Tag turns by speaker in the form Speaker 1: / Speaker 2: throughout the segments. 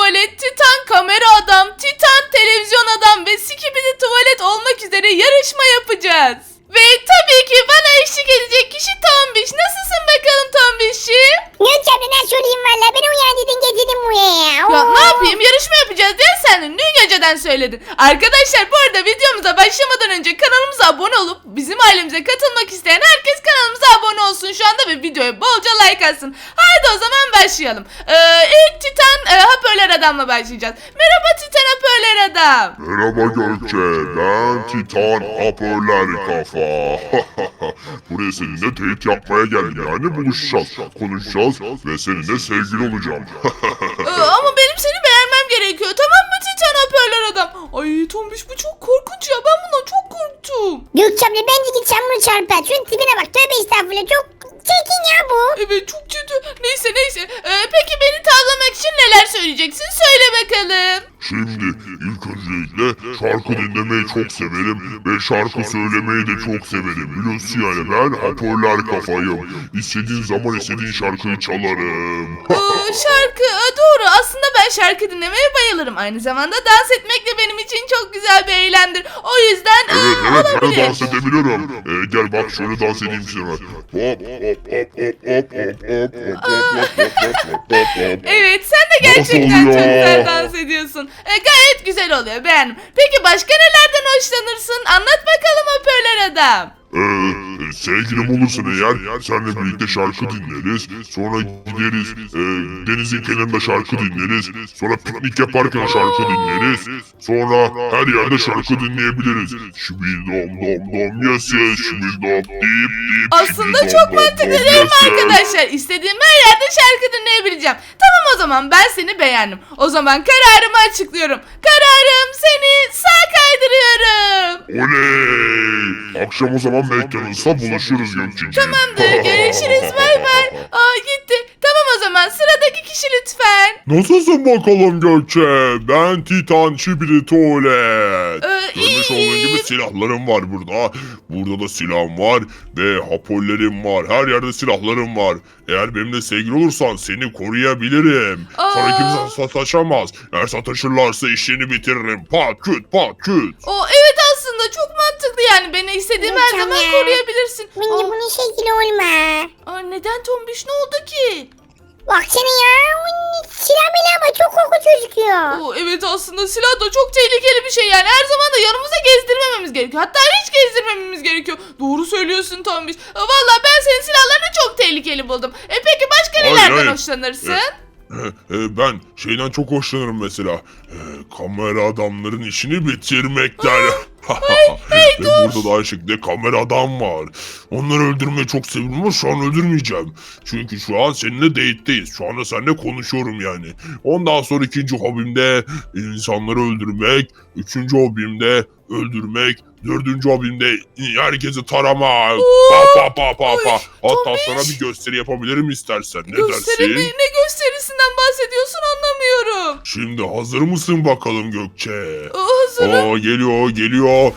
Speaker 1: tuvalet, Titan kamera adam, Titan televizyon adam ve Skibidi tuvalet olmak üzere yarışma yapacağız. Ve tabii ki bana eşlik edecek kişi Tombiş. Nasılsın bakalım Tombiş'im?
Speaker 2: Gökçe abla nasıl olayım valla beni uyandırdın getirdin buraya.
Speaker 1: Ya ne yapayım, yarışma yapacağız diye sen dün geceden söyledin. Arkadaşlar bu arada videomuza başlamadan önce kanalımıza abone olup bizim ailemize katılmak isteyen herkes kanalımıza abone olsun şu anda ve videoya bolca like atsın. Haydi o zaman başlayalım. İlk Titan hoparlör adamla başlayacağız. Merhaba Titan hoparlör adam.
Speaker 3: Merhaba Gökçe, ben Titan Hoparlör Kafa. Buraya seninle date yapmaya geldim, yani buluşacağız, konuşacağız ve seninle sevgili olacağım.
Speaker 1: Ama benim seni beğenmem gerekiyor, tamam mı Titan hoparlör adam? Ay Tombiş, bu çok korkunç ya, ben bundan çok korktum.
Speaker 2: Gökçe abla bence git sen bunu çarpar. Şunun tipine bak tövbe estağfurullah çok çirkin ya bu.
Speaker 1: Evet çok kötü. Neyse. Peki beni tavlamak için neler söyleyeceksin? Söyle bakalım.
Speaker 3: Şimdi ilk öncelikle şarkı dinlemeyi çok severim ve şarkı söylemeyi de çok severim. Biliyorsun yani ben hoparlör kafayım. İstediğin zaman istediğin şarkıyı çalarım.
Speaker 1: Şarkı doğru. Aslında ben şarkı dinlemeye bayılırım. Aynı zamanda dans etmek de benim için çok güzel bir eylemdir. O yüzden
Speaker 3: Evet ben de
Speaker 1: olabilir.
Speaker 3: dans edebiliyorum. Gel bak şöyle dans edeyim sana. Hop hop hop hop hop hop hop.
Speaker 1: Evet, sen de gerçekten
Speaker 3: Nasıl
Speaker 1: çok
Speaker 3: oluyor?
Speaker 1: güzel dans ediyorsun. Gayet güzel oluyor, beğendim. Peki başka nelerden hoşlanırsın? Anlat bakalım hoparlör adam.
Speaker 3: Sevgilim olursun eğer senle birlikte şarkı dinleriz. Sonra gideriz denizin kenarında şarkı dinleriz. Sonra piknik yaparken şarkı dinleriz. Sonra her yerde şarkı dinleyebiliriz. Şibil dom dom dom yes yes şibil dom deyip deyip.
Speaker 1: Aslında
Speaker 3: şibil
Speaker 1: çok
Speaker 3: dom
Speaker 1: mantıklı
Speaker 3: dom
Speaker 1: değil mi
Speaker 3: yes yes.
Speaker 1: arkadaşlar? İstediğim her yerde şarkı dinleyebileceğim. Tamam, o zaman ben seni beğendim. O zaman kararımı açıklıyorum. Kararım, seni sağ kaydırıyorum.
Speaker 3: Oley! Akşam o zaman McDonald's'ta buluşuruz Gökçe'ciğim.
Speaker 1: Tamamdır, görüşürüz, bay bay. Gitti. Tamam, o zaman sıradaki kişi lütfen.
Speaker 3: Nasılsın bakalım Gökçe? Ben Titan Şibidi Tuvalet. Görmüş olduğun gibi
Speaker 1: İyiyim.
Speaker 3: silahlarım var burada. Burada da silahım var ve hoparlörlerim var. Her yerde silahlarım var. Eğer benimle sevgili olursan seni koruyabilirim. Sana kimse sataşamaz. Eğer sataşırlarsa işini bitiririm. Pat küt pat küt.
Speaker 1: Evet, aslında çok mantıklı yani. Beni istediğim her
Speaker 2: Mükemmel.
Speaker 1: zaman koruyabilirsin.
Speaker 2: Bence bunun şekli olma.
Speaker 1: Neden Tombiş, ne oldu ki?
Speaker 2: Baksana ya silah bile ama çok korkunç gözüküyor.
Speaker 1: Evet, aslında silah da çok tehlikeli bir şey yani. Her zaman da yanımıza gezdirmememiz gerekiyor. Hatta hiç gezdirmememiz gerekiyor. Doğru söylüyorsun Tombiş. Vallahi ben senin silahlarını çok tehlikeli buldum. Peki başka
Speaker 3: Hayır,
Speaker 1: nelerden
Speaker 3: hayır.
Speaker 1: hoşlanırsın?
Speaker 3: Ben şeyden çok hoşlanırım mesela. Kamera adamların işini bitirmekten. Ve burada da aynı şekilde kamera adam var. Onları öldürmeyi çok seviyorum ama şu an öldürmeyeceğim. Çünkü şu an seninle date'teyiz. Şu anda seninle konuşuyorum yani. Ondan sonra ikinci hobimde insanları öldürmek. Üçüncü hobimde öldürmek. Dördüncü hobimde herkesi taramak. Pa. Hatta
Speaker 1: Tombiş.
Speaker 3: sana bir gösteri yapabilirim istersen. Ne
Speaker 1: Gösteri mi?
Speaker 3: dersin?
Speaker 1: Ne gösterisinden bahsediyorsun, anlamıyorum.
Speaker 3: Şimdi hazır mısın bakalım Gökçe?
Speaker 1: Hazırım.
Speaker 3: Geliyor.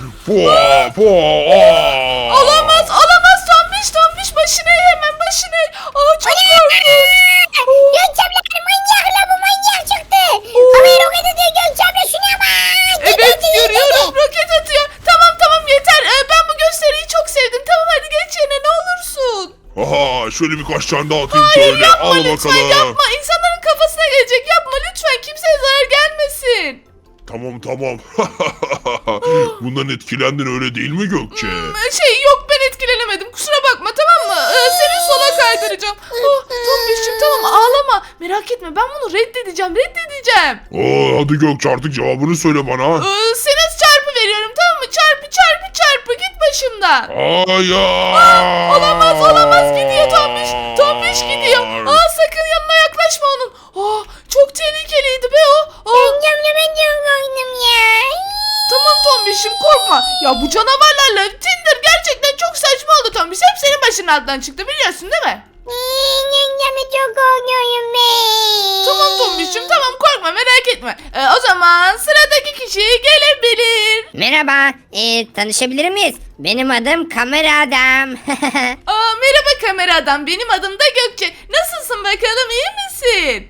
Speaker 1: Olamaz Tombiş, başına eğ, hemen başına eğ. Çok korkunç.
Speaker 2: Gökçe abla manyak la bu manyak çıktı. Havaya roket atıyor Gökçe abla şuna bak.
Speaker 1: Evet, görüyorum, roket atıyor. Tamam yeter. Ben bu gösteriyi çok sevdim. Tamam, hadi geç yerine ne olursun.
Speaker 3: Aha, şöyle birkaç tane daha atayım
Speaker 1: Hayır,
Speaker 3: şöyle.
Speaker 1: yapma
Speaker 3: Al
Speaker 1: lütfen,
Speaker 3: bakalım.
Speaker 1: yapma. İnsanların kafasına gelecek. Yapma lütfen, kimseye zarar gelmesin.
Speaker 3: Tamam. Bundan etkilendin öyle değil mi Gökçe?
Speaker 1: Yok, ben etkilenemedim. Kusura bakma, tamam mı? Seni sola kaydıracağım. Tombiş'cim tamam, ağlama. Merak etme, ben bunu reddedeceğim.
Speaker 3: Hadi Gökçe artık cevabını söyle bana.
Speaker 1: Sana çarpı veriyorum, tamam mı? Çarpı. Git başımdan.
Speaker 3: Hayır.
Speaker 1: Olamaz, gidiyor Tombiş gidiyor. Sakın yanına yaklaşma onun. Çok tehlikeliydi be o.
Speaker 2: Gökçe abla ben çok korktum ya.
Speaker 1: Tamam Tombiş'im, korkma. Ya bu canavarlarla Tinder gerçekten çok saçma oldu Tombiş. Hep senin başının altından çıktı, biliyorsun değil mi?
Speaker 2: Gökçe abla çok korkuyorum ben.
Speaker 1: Tamam Tombiş'im, tamam, korkma, merak etme. O zaman sıradaki kişi gelebilir.
Speaker 4: Merhaba, tanışabilir miyiz? Benim adım Kamera Adam.
Speaker 1: Merhaba kamera adam, benim adım da Gökçe. Nasılsın bakalım, iyi misin?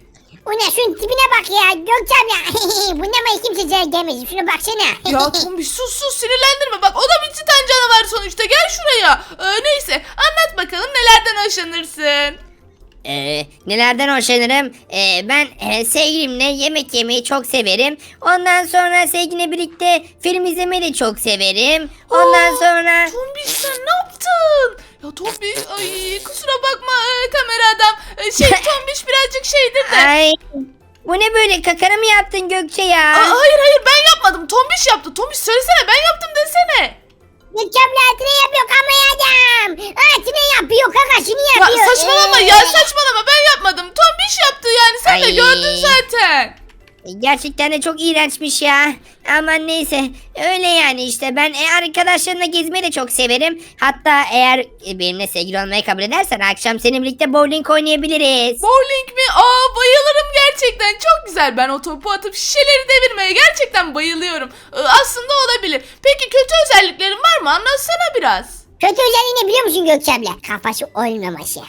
Speaker 2: O ne şunun tipine bak ya Gökçe abla. Bundan kimse zarar gelmesin. Şuna baksana.
Speaker 1: Ya Tombiş sus sinirlendirme. Bak o da bir titan canavar sonuçta. Gel şuraya. Neyse anlat bakalım nelerden hoşlanırsın?
Speaker 4: Nelerden hoşlanırım? Ben sevgilimle yemek yemeyi çok severim. Ondan sonra sevgilimle birlikte film izlemeyi de çok severim. Ondan sonra...
Speaker 1: Tombiş sen ne yaptın? Ya Tombiş ay kusura bakma kamera adam. Tombiş birazcık şeydir de.
Speaker 4: Ay, bu ne böyle, kakara mı yaptın Gökçe ya?
Speaker 1: Hayır ben yapmadım. Tombiş yaptı. Tombiş söylesene ben yaptım desene.
Speaker 2: Gökçe abla altına yapıyor kamera adam. Altına yapıyor kakasını yapıyor.
Speaker 1: Ya saçmalama ben yapmadım. Tombiş yaptı yani sen de
Speaker 4: Ay.
Speaker 1: gördün zaten.
Speaker 4: Gerçekten de çok iğrençmiş ya. Aman neyse, öyle yani işte. Ben arkadaşlarımla gezmeyi de çok severim. Hatta eğer benimle sevgili olmayı kabul edersen akşam seninle birlikte bowling oynayabiliriz.
Speaker 1: Bowling mi? Bayılırım gerçekten. Çok güzel. Ben o topu atıp şişeleri devirmeye gerçekten bayılıyorum. Aslında olabilir. Peki kötü özelliklerin var mı? Anlatsana biraz.
Speaker 2: Kötü özelliği ne biliyor musun Gökçe abla? Kafası olmaması.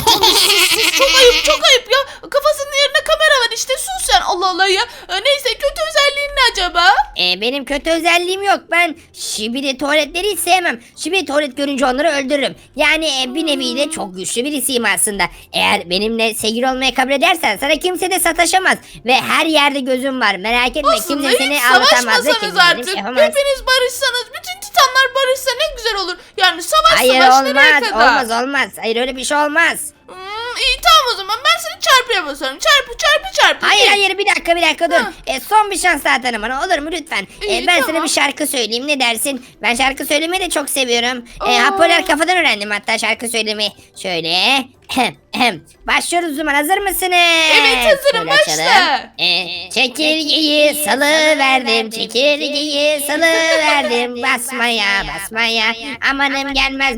Speaker 1: Çok ayıp ya. Kafasının yerine kamera var işte. Sus sen. Allah Allah ya. Neyse kötü özelliğin ne acaba?
Speaker 4: Benim kötü özelliğim yok. Ben şibidi tuvaletleri hiç sevmem. Şibidi tuvalet görünce onları öldürürüm. Yani bir nevi de çok güçlü birisiyim aslında. Eğer benimle sevgili olmayı kabul edersen sana kimse de sataşamaz. Ve her yerde gözüm var. Merak etme,
Speaker 1: Aslında
Speaker 4: kimse seni
Speaker 1: hiç
Speaker 4: avutamaz ve
Speaker 1: savaşmasanız
Speaker 4: kimse seni
Speaker 1: artık.
Speaker 4: yapamaz.
Speaker 1: Hepiniz barışsanız. Bütün titanlar barışsa ne güzel olur. Yani savaş
Speaker 4: Hayır,
Speaker 1: nereye
Speaker 4: olmaz
Speaker 1: kadar?
Speaker 4: olmaz. Hayır, öyle bir şey olmaz.
Speaker 1: İyi tamam o zaman ben seni çarpıya basarım. Çarpı.
Speaker 4: Hayır, bir dakika dur.
Speaker 1: Ha.
Speaker 4: Son bir şans daha tanı bana, olur mu lütfen?
Speaker 1: İyi,
Speaker 4: Ben
Speaker 1: tamam.
Speaker 4: sana bir şarkı söyleyeyim, ne dersin? Ben şarkı söylemeyi de çok seviyorum.
Speaker 1: Aa.
Speaker 4: Hoparlör kafadan öğrendim hatta şarkı söylemeyi. Şöyle. Başlıyoruz o zaman, hazır mısınız?
Speaker 1: Evet, hazırım,
Speaker 4: Şöyle açalım.
Speaker 1: başla.
Speaker 4: Çekirgeyi salıverdim, çekirgeyi salıverdim. Basmaya, amanım gelmez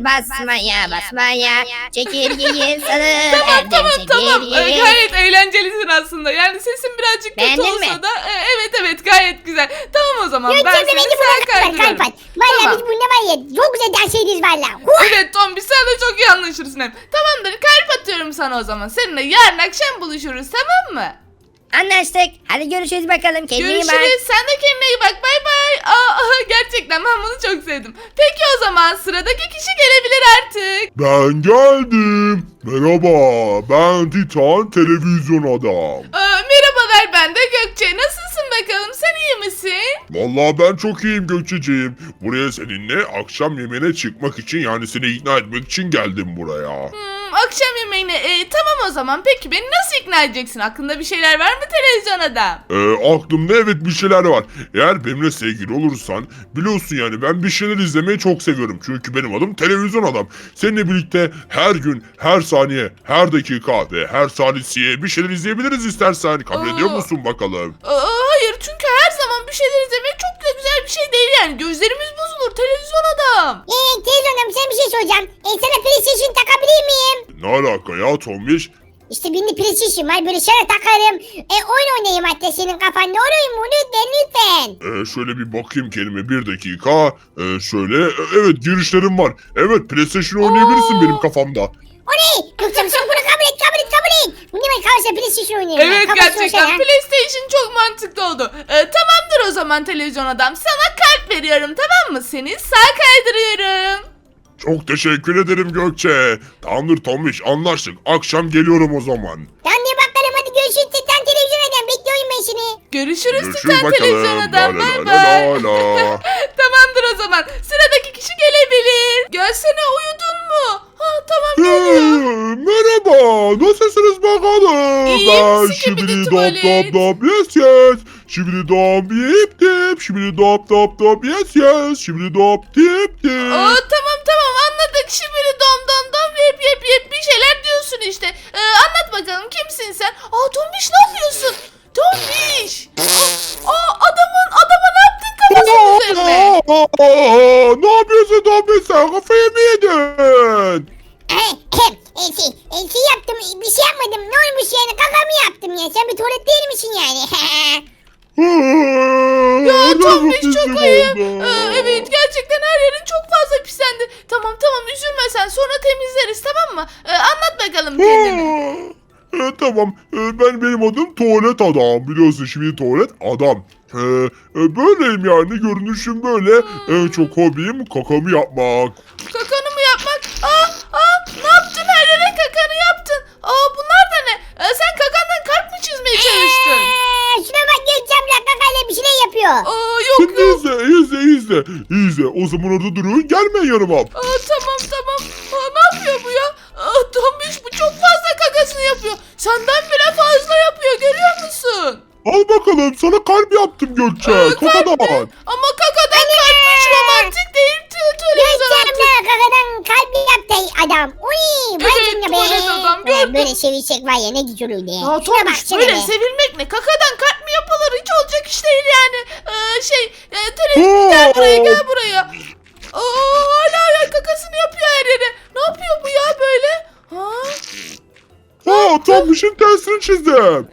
Speaker 4: basmaya. Çekirgeyi salıverdim,
Speaker 1: Tamam.
Speaker 4: çekirgeyi.
Speaker 1: Gayet eğlencelisin aslında. Yani sesin birazcık kötü
Speaker 4: Beğendin
Speaker 1: olsa
Speaker 4: mi?
Speaker 1: da evet gayet güzel. Tamam o zaman
Speaker 2: Gökçe
Speaker 1: ben
Speaker 2: abla
Speaker 1: seni
Speaker 2: bence
Speaker 1: sağa
Speaker 2: buna kalp
Speaker 1: kaydırıyorum.
Speaker 2: at. Valla
Speaker 1: Tamam.
Speaker 2: biz bununla var ya çok güzel dans ederiz valla.
Speaker 1: Evet Tombi sen de çok iyi anlaşırsın hem. Tamamdır kalp atıyorum sana o zaman. Seninle yarın akşam buluşuruz tamam mı?
Speaker 4: Anlaştık. Hadi görüşürüz bakalım. Kendine iyi bak.
Speaker 1: Görüşürüz. Sen de kendine iyi bak. Bay bay. Gerçekten ben bunu çok sevdim. Peki o zaman sıradaki kişi gelebilir artık.
Speaker 3: Ben geldim. Merhaba, ben Titan Televizyon Adam.
Speaker 1: Merhabalar ben de Gökçe. Nasılsın bakalım? Sen iyi misin?
Speaker 3: Vallahi ben çok iyiyim Gökçeciğim. Buraya seninle akşam yemeğine çıkmak için, yani seni ikna etmek için geldim buraya.
Speaker 1: Akşam yemeğine. Tamam o zaman. Peki beni nasıl ikna edeceksin? Aklında bir şeyler var mı televizyon adam?
Speaker 3: Aklımda evet bir şeyler var. Eğer benimle sevgili olursan, biliyorsun yani ben bir şeyler izlemeyi çok seviyorum. Çünkü benim adım Televizyon Adam. Seninle birlikte her gün, her saniye, her dakika ve her salisiye bir şeyler izleyebiliriz istersen. Kabul ediyor musun bakalım?
Speaker 1: Hayır çünkü her zaman bir şeyler izlemek çok da güzel bir şey değil yani. Gözlerimiz bozulur televizyon adam.
Speaker 2: Televizyonda sana bir şey soracağım. Sana PlayStation takabilir miyim?
Speaker 3: Ne alaka ya Tombiş?
Speaker 2: İşte benim PlayStation var böyle sana takarım. Oyun oynayayım hatta senin kafanda olur mu? Lütfen.
Speaker 3: Şöyle bir bakayım kelime, bir dakika. Evet girişlerim var. Evet PlayStation oynayabilirsin benim kafamda.
Speaker 2: O ne? Gökçem sen bunu kabul et. Bu ne ben kalırsa PlayStation oynayayım.
Speaker 1: Evet
Speaker 2: ben.
Speaker 1: gerçekten PlayStation çok mantıklı oldu. Tamamdır o zaman televizyon adam. Sana kalp veriyorum tamam mı? Seni sağ kaydırıyorum.
Speaker 3: Çok teşekkür ederim Gökçe. Tamamdır Tombiş, anlaştık. Akşam geliyorum o zaman.
Speaker 2: Tamam diye bakalım hadi görüşürüz. Titan televizyon eden bekliyorum ben seni.
Speaker 1: Görüşürüz
Speaker 3: Görüşürüz
Speaker 1: Titan televizyon
Speaker 3: bakalım.
Speaker 1: adam.
Speaker 3: La
Speaker 1: Bay
Speaker 3: la la
Speaker 1: bay.
Speaker 3: la la.
Speaker 1: Tamamdır o zaman. Sıradaki kişi gelebilir. Gelsene uyudun mu? Tamam geliyor.
Speaker 3: Merhaba, nasılsınız bakalım?
Speaker 1: İyiyim,
Speaker 3: Ben
Speaker 1: sikibidi
Speaker 3: şibidi
Speaker 1: tuvalet.
Speaker 3: dop yes. Şibidi dop dip. Şibidi dop yes. Şibidi dop dip.
Speaker 1: Tamam anladık. Şimdi dom yep bir şeyler diyorsun işte. Anlat bakalım kimsin sen? Tombiş ne yapıyorsun? Tombiş. Adama ne yaptın kafasının üzerine?
Speaker 3: Ne yapıyorsun Tombiş, sen kafayı mı yedin?
Speaker 2: Şey yaptım bir şey yapmadım. Ne olmuş yani kakamı yaptım ya. Sen bir tuvalet değil misin yani?
Speaker 1: Ya Tombiş çok ayıp. Evet gerçekten her yerin çok fazla pislendi. Tamam üzülme sen sonra temizleriz tamam mı? Anlat bakalım kendini.
Speaker 3: Tamam. Benim adım Tuvalet Adam. Biliyorsun şimdi Tuvalet Adam. Böyleyim yani. Görünüşüm böyle. En çok hobim kakamı yapmak.
Speaker 1: Kakanı mı yapmak? Ne yaptın? Her yere kakanı yaptın. Bunlar da ne? Sen kakandan kalp mı çizmeye çalıştın?
Speaker 2: Şuna bak Gökçem ya kakayla bir şeyler yapıyor.
Speaker 1: Yok
Speaker 3: Şimdi
Speaker 1: yok.
Speaker 3: izle. O zaman orada durun. Gelmeyin yanıma.
Speaker 1: Tamam. Ne yapıyor bu ya? Tombiş bu çok fazla kakasını yapıyor. Senden bile fazla yapıyor, görüyor musun?
Speaker 3: Al bakalım. Sana kalp yaptım Gökçe. Kakadan.
Speaker 1: Ama kakadan kalp hiç romantik değil. Televizyon
Speaker 2: Gökçem ya kakadan kalp yaptı adam. Uy vay
Speaker 1: Evet,
Speaker 2: canına
Speaker 1: tuvalet adam, gördüm.
Speaker 2: Böyle sevişecek var ya ne güzel olurdu.
Speaker 1: Ya
Speaker 2: Şuna bak
Speaker 1: Tombiş
Speaker 2: şuna
Speaker 1: böyle
Speaker 2: be.
Speaker 1: sevilmek ne? Kakadan kalp mi yapılır? Hiç olacak iş değil yani. Televizyon gel buraya. Hala ya kakasını yapıyor her yere. Ne yapıyor bu ya böyle?
Speaker 3: Tam işin tersini çizdim.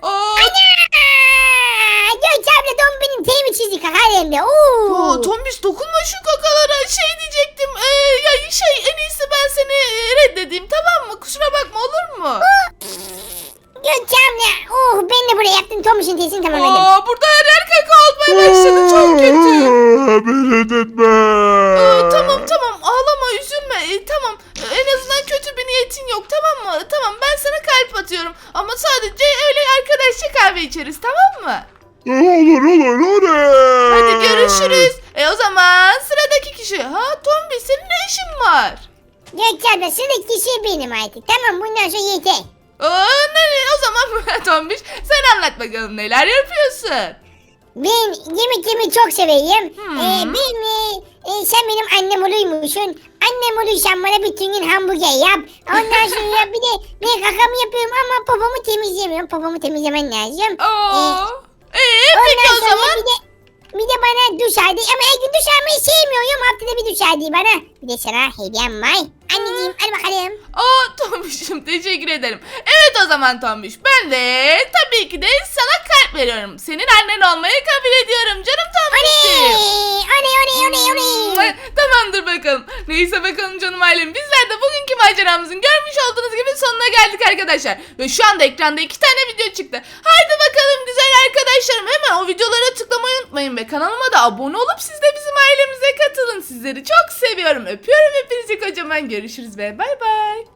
Speaker 2: Gökçem'le Tom benim teyimi çizdi kakalemde.
Speaker 1: Tombiş dokunma şu kakalara. Diyecektim. En iyisi ben seni reddedeyim, tamam mı? Kusura bakma, olur mu?
Speaker 2: Gökçem'le ben de buraya yaptım Tom işin teyisini tamamladım.
Speaker 1: Burada her yer kaka olmaya başladı. Çok kötü.
Speaker 3: Beni etme.
Speaker 1: Tamam ağlama, üzülme. Tamam, en azından kötü bir niyetin yok, tamam mı? Tamam, ben sana kalp atıyorum ama sadece öyle arkadaşça kahve içeriz, tamam mı?
Speaker 3: Olur.
Speaker 1: Hadi görüşürüz. O zaman sıradaki kişi. Tombi, senin ne işin var?
Speaker 2: Gökçem'le sıradaki kişi benim artık. Tamam bundan sonra yeter.
Speaker 1: O zaman Tombiş sen anlat bakalım, neler yapıyorsun?
Speaker 2: Ben yemek yemeyi çok severim. Sen benim annem oluymuşsun. Annem olursan bana bütün gün hamburger yap. Ondan sonra bir de ben kakamı yapıyorum ama popomu temizlemiyorum. Popomu temizlemen lazım.
Speaker 1: Peki o
Speaker 2: Ondan sonra
Speaker 1: zaman.
Speaker 2: bir de bana duş aldı. Ama her gün duş almayı sevmiyorum. Haftada bir duş aldı bana. Bir de sana hediyem var. Anneciğim hadi bakalım.
Speaker 1: Tombiş'im teşekkür ederim. Evet o zaman Tombiş, ben de tabii ki de sana kalp veriyorum. Senin annen olmayı kabul ediyorum canım Tombiş'im.
Speaker 2: Oley.
Speaker 1: Tamamdır bakalım. Neyse bakalım canım ailem. Bizler de bugünkü maceramızın görmüş olduğunuz gibi sonuna geldik arkadaşlar. Ve şu anda ekranda 2 tane video çıktı. Haydi bakalım güzel arkadaşlarım. Hemen o videolara tıklamayı unutmayın. Ve kanalıma da abone olup siz de bizim ailemize katılın. Sizleri çok seviyorum. Öpüyorum hepinizi kocaman. Görüşürüz ve bay bay.